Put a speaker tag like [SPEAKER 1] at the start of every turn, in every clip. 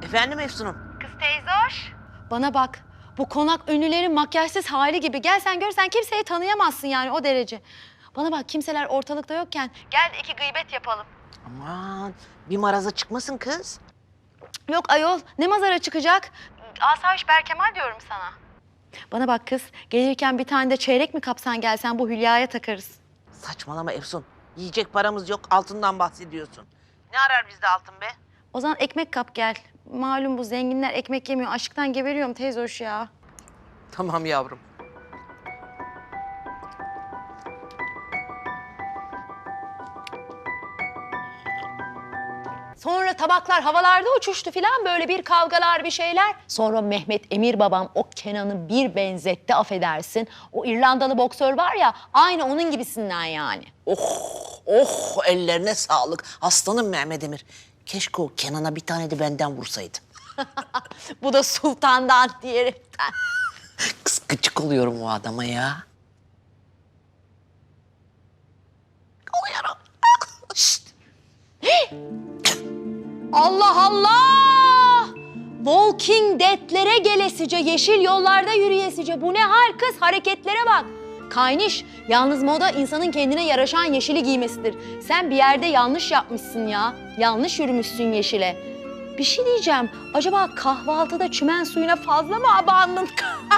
[SPEAKER 1] Efendim Efsun'um?
[SPEAKER 2] Kız teyze hoş.
[SPEAKER 3] Bana bak, bu konak ünlülerin makyajsız hali gibi. Gel sen görsen kimseyi tanıyamazsın yani o derece. Bana bak, kimseler ortalıkta yokken
[SPEAKER 2] Gel de iki gıybet yapalım.
[SPEAKER 1] Aman bir maraza çıkmasın kız.
[SPEAKER 3] yok ayol, ne mazara çıkacak?
[SPEAKER 2] Asayiş Berkemal diyorum sana.
[SPEAKER 3] Bana bak kız, gelirken bir tane de çeyrek mi kapsan gelsen bu Hülya'ya takarız.
[SPEAKER 1] Saçmalama Efsun. Yiyecek paramız yok, altından bahsediyorsun. Ne arar bizde altın be?
[SPEAKER 3] O zaman ekmek kap gel. Malum bu zenginler ekmek yemiyor. Aşktan geberiyorum teyze hoş ya.
[SPEAKER 1] Tamam yavrum.
[SPEAKER 3] Sonra tabaklar havalarda uçuştu filan, böyle bir kavgalar bir şeyler. Sonra Mehmet Emir babam o Kenan'ı bir benzetti, affedersin. O İrlandalı boksör var ya, aynı onun gibisinden yani.
[SPEAKER 1] Oh ellerine sağlık. Aslanım Mehmet Emir. Keşke o Kenan'a bir tane de benden vursaydı.
[SPEAKER 3] Bu da sultandan diyerekten.
[SPEAKER 1] Kız gıcık oluyorum o adama ya. Oluyorum. Şşt.
[SPEAKER 3] Allah Allah! Walking Dead'lere gelesice, yeşil yollarda yürüyesice. Bu ne hal kız? Hareketlere bak. Kayniş, yalnız moda insanın kendine yaraşan yeşili giymesidir. Sen bir yerde yanlış yapmışsın ya. Yanlış yürümüşsün yeşile. Bir şey diyeceğim. Acaba kahvaltıda çimen suyuna fazla mı abandın?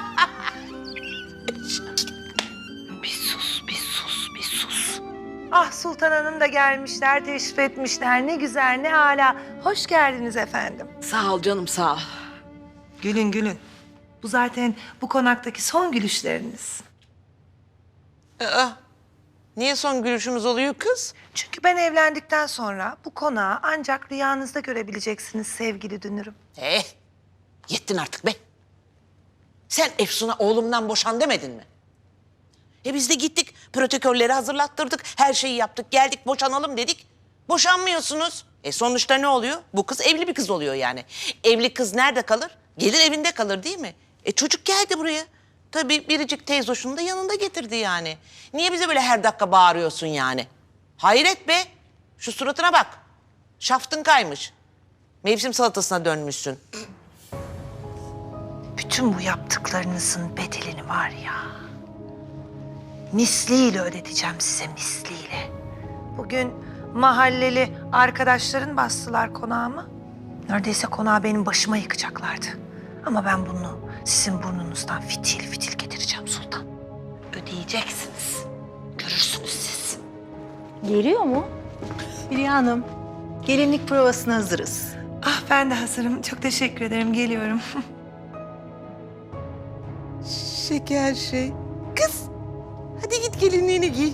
[SPEAKER 1] Bir sus, bir sus, bir sus.
[SPEAKER 4] Ah Sultan Hanım da gelmişler, teşrif etmişler. Ne güzel, ne âlâ. Hoş geldiniz efendim.
[SPEAKER 1] Sağ ol canım, sağ ol.
[SPEAKER 4] Gülün gülün. Bu zaten bu konaktaki son gülüşleriniz.
[SPEAKER 1] Niye son gülüşümüz oluyor kız?
[SPEAKER 4] Çünkü ben evlendikten sonra bu konağı ancak rüyanızda görebileceksiniz sevgili dünürüm.
[SPEAKER 1] Yettin artık be. Sen Efsun'a oğlumdan boşan demedin mi? Biz de gittik, protokolleri hazırlattırdık, her şeyi yaptık, geldik boşanalım dedik. Boşanmıyorsunuz. Sonuçta ne oluyor? Bu kız evli bir kız oluyor yani. Evli kız nerede kalır? Gelir evinde kalır değil mi? Çocuk geldi buraya. Tabii biricik teyzoşunu da yanında getirdi yani. Niye bize böyle her dakika bağırıyorsun yani? Hayret be. Şu suratına bak. Şaftın kaymış. Mevsim salatasına dönmüşsün.
[SPEAKER 4] Bütün bu yaptıklarınızın bedelini var ya, misliyle ödeteceğim size, misliyle. Bugün mahalleli arkadaşların bastılar konağımı. Neredeyse konağı benim başıma yıkacaklardı. Ama ben bunu sizin burnunuzdan fitil fitil getireceğim Sultan. Ödeyeceksiniz. Görürsünüz siz.
[SPEAKER 3] Geliyor mu?
[SPEAKER 5] Hülya Hanım, gelinlik provasına hazırız.
[SPEAKER 4] Ah ben de hazırım. Çok teşekkür ederim. Geliyorum.
[SPEAKER 1] Şeker şey. Kız, hadi git gelinliğini giy.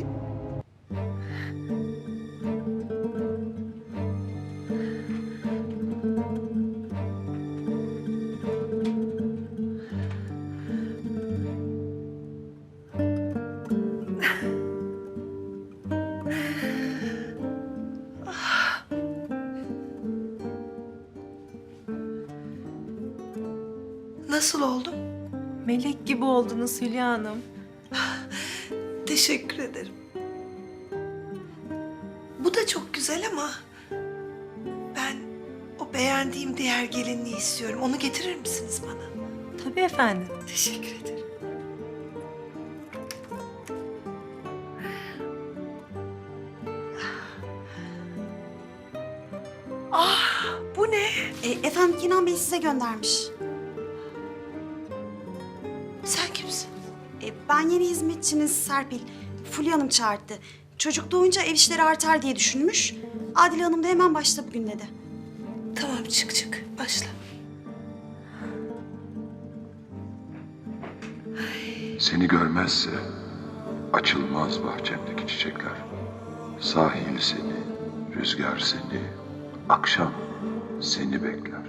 [SPEAKER 4] Nasıl oldum?
[SPEAKER 5] Melek gibi oldunuz Hülya Hanım.
[SPEAKER 4] Teşekkür ederim. Bu da çok güzel ama ben o beğendiğim diğer gelinliği istiyorum. Onu getirir misiniz bana?
[SPEAKER 5] Tabii efendim.
[SPEAKER 4] Teşekkür ederim. Ah, bu ne?
[SPEAKER 6] Efendim Kenan Bey size göndermiş.
[SPEAKER 4] Sen kimsin?
[SPEAKER 6] Ben yeni hizmetçiniz Serpil. Fulya Hanım çağırdı. Çocuk doğunca ev işleri artar diye düşünmüş. Adile Hanım da hemen başla bugün dedi.
[SPEAKER 4] Tamam çık başla.
[SPEAKER 7] Seni görmezse açılmaz bahçemdeki çiçekler. Sahil seni, rüzgar seni, akşam seni bekler.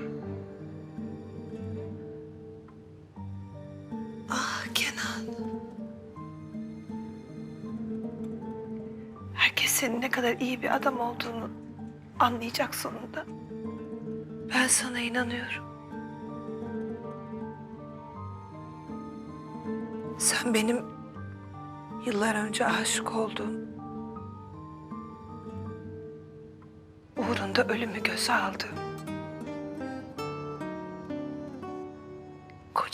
[SPEAKER 4] Ah Kenan. Herkes senin ne kadar iyi bir adam olduğunu anlayacak sonunda. Ben sana inanıyorum. Sen benim yıllar önce aşık olduğum, uğrunda ölümü göze aldığım,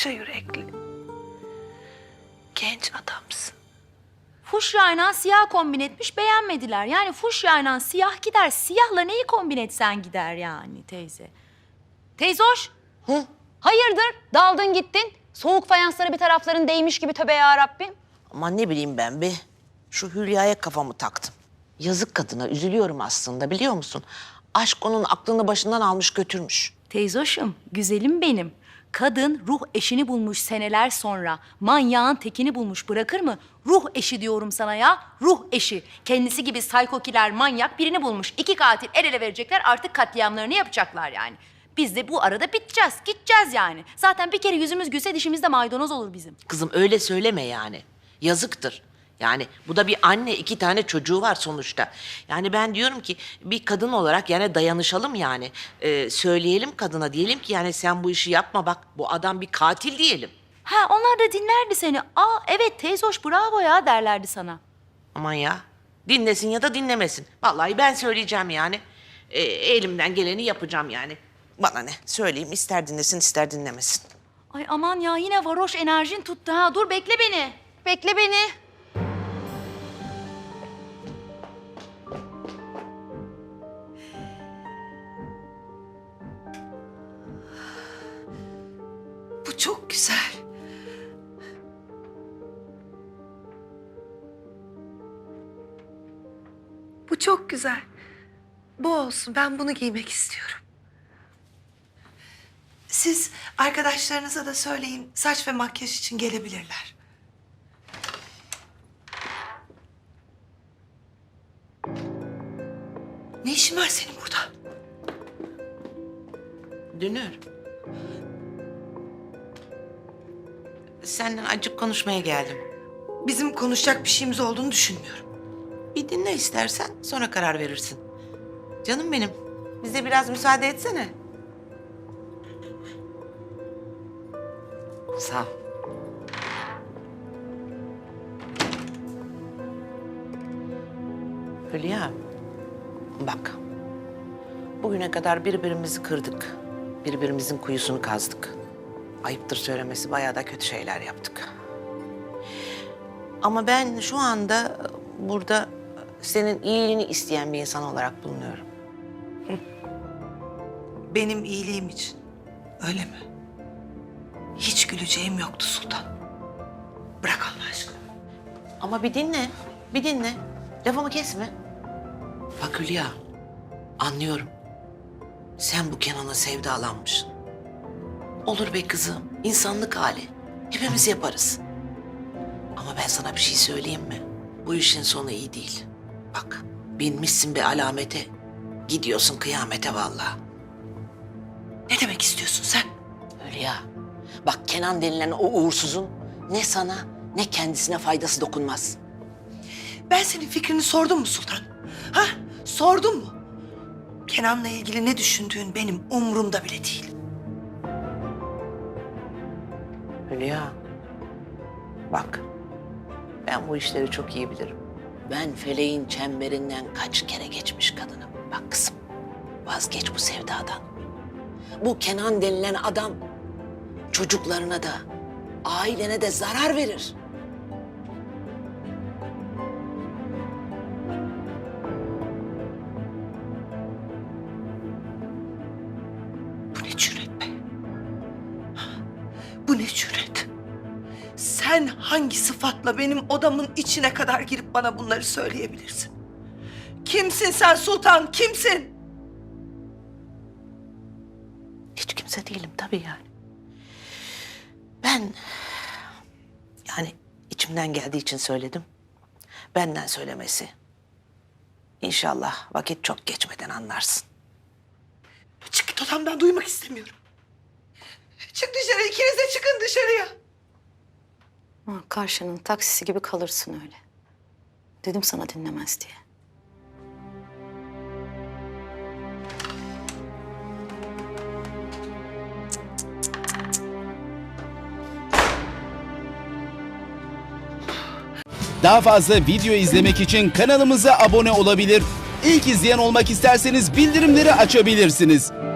[SPEAKER 4] koca yürekli, genç adamsın.
[SPEAKER 3] Fuşyayla siyah kombin etmiş, beğenmediler. Yani fuşyayla siyah gider, siyahla neyi kombin etsen gider yani teyze. Teyze hoş.
[SPEAKER 1] Hı?
[SPEAKER 3] Hayırdır? Daldın gittin. Soğuk fayanslara bir tarafların değmiş gibi, tövbe yarabbim.
[SPEAKER 1] Aman ne bileyim ben be. Şu Hülya'ya kafamı taktım. Yazık kadına, üzülüyorum aslında, biliyor musun? Aşk onun aklını başından almış götürmüş.
[SPEAKER 3] Teyzoşum, güzelim benim. Kadın ruh eşini bulmuş seneler sonra. Manyağın tekini bulmuş, bırakır mı? Ruh eşi diyorum sana ya, ruh eşi. Kendisi gibi saykokiler, manyak birini bulmuş. 2 katil el ele verecekler, artık katliamlarını yapacaklar yani. Biz de bu arada biteceğiz, gideceğiz yani. Zaten bir kere yüzümüz gülse dişimizde maydanoz olur bizim.
[SPEAKER 1] Kızım öyle söyleme yani. Yazıktır. Yani bu da bir anne, 2 tane çocuğu var sonuçta. Yani ben diyorum ki bir kadın olarak yani dayanışalım yani. Söyleyelim kadına, diyelim ki yani sen bu işi yapma, bak bu adam bir katil diyelim.
[SPEAKER 3] Ha, onlar da dinlerdi seni. Aa evet teyzoş bravo ya derlerdi sana.
[SPEAKER 1] Aman ya, dinlesin ya da dinlemesin. Vallahi ben söyleyeceğim yani. Elimden geleni yapacağım yani. Bana ne, söyleyeyim, ister dinlesin ister dinlemesin.
[SPEAKER 3] Ay aman ya, yine varoş enerjin tuttu ha. Dur bekle beni. Bekle beni.
[SPEAKER 4] Bu çok güzel. Bu çok güzel. Bu olsun. Ben bunu giymek istiyorum. Siz arkadaşlarınıza da söyleyin. Saç ve makyaj için gelebilirler. Ne işin var senin burada?
[SPEAKER 1] Dünür. Senden acık konuşmaya geldim.
[SPEAKER 4] Bizim konuşacak bir şeyimiz olduğunu düşünmüyorum.
[SPEAKER 1] Bir dinle istersen, sonra karar verirsin. Canım benim, bize biraz müsaade etsene. Sağ ol. Hülya, bak. Bugüne kadar birbirimizi kırdık. Birbirimizin kuyusunu kazdık. Ayıptır söylemesi, bayağı da kötü şeyler yaptık. Ama ben şu anda burada senin iyiliğini isteyen bir insan olarak bulunuyorum.
[SPEAKER 4] Benim iyiliğim için. Öyle mi? Hiç güleceğim yoktu Sultan. Bırak Allah aşkına.
[SPEAKER 1] Ama bir dinle, bir dinle. Lafımı kesme. Bak Hülya, anlıyorum. Sen bu Kenan'a sevdalanmışsın. Olur be kızım, insanlık hali. Hepimiz yaparız. Ama ben sana bir şey söyleyeyim mi? Bu işin sonu iyi değil. Bak, binmişsin bir alamete, gidiyorsun kıyamete vallahi.
[SPEAKER 4] Ne demek istiyorsun sen?
[SPEAKER 1] Hülya, bak Kenan denilen o uğursuzun ne sana ne kendisine faydası dokunmaz.
[SPEAKER 4] Ben senin fikrini sordum mu Sultan? Ha? Sordum mu? Kenan'la ilgili ne düşündüğün benim umurumda bile değil.
[SPEAKER 1] Hülya, bak ben bu işleri çok iyi bilirim. Ben feleğin çemberinden kaç kere geçmiş kadınım. Bak kızım, vazgeç bu sevdadan. Bu Kenan denilen adam çocuklarına da, ailene de zarar verir.
[SPEAKER 4] Bu ne cüret be? Bu ne cüret? Sen hangi sıfatla benim odamın içine kadar girip bana bunları söyleyebilirsin? Kimsin sen Sultan, kimsin?
[SPEAKER 1] Hiç kimse değilim tabii yani. Ben yani içimden geldiği için söyledim. Benden söylemesi. İnşallah vakit çok geçmeden anlarsın.
[SPEAKER 4] Çık git odamdan, duymak istemiyorum. Çık dışarı, ikiniz de çıkın dışarıya.
[SPEAKER 3] Karşının taksisi gibi kalırsın öyle. Dedim sana dinlemez diye.
[SPEAKER 8] Daha fazla video izlemek için kanalımıza abone olabilir. İlk izleyen olmak isterseniz bildirimleri açabilirsiniz.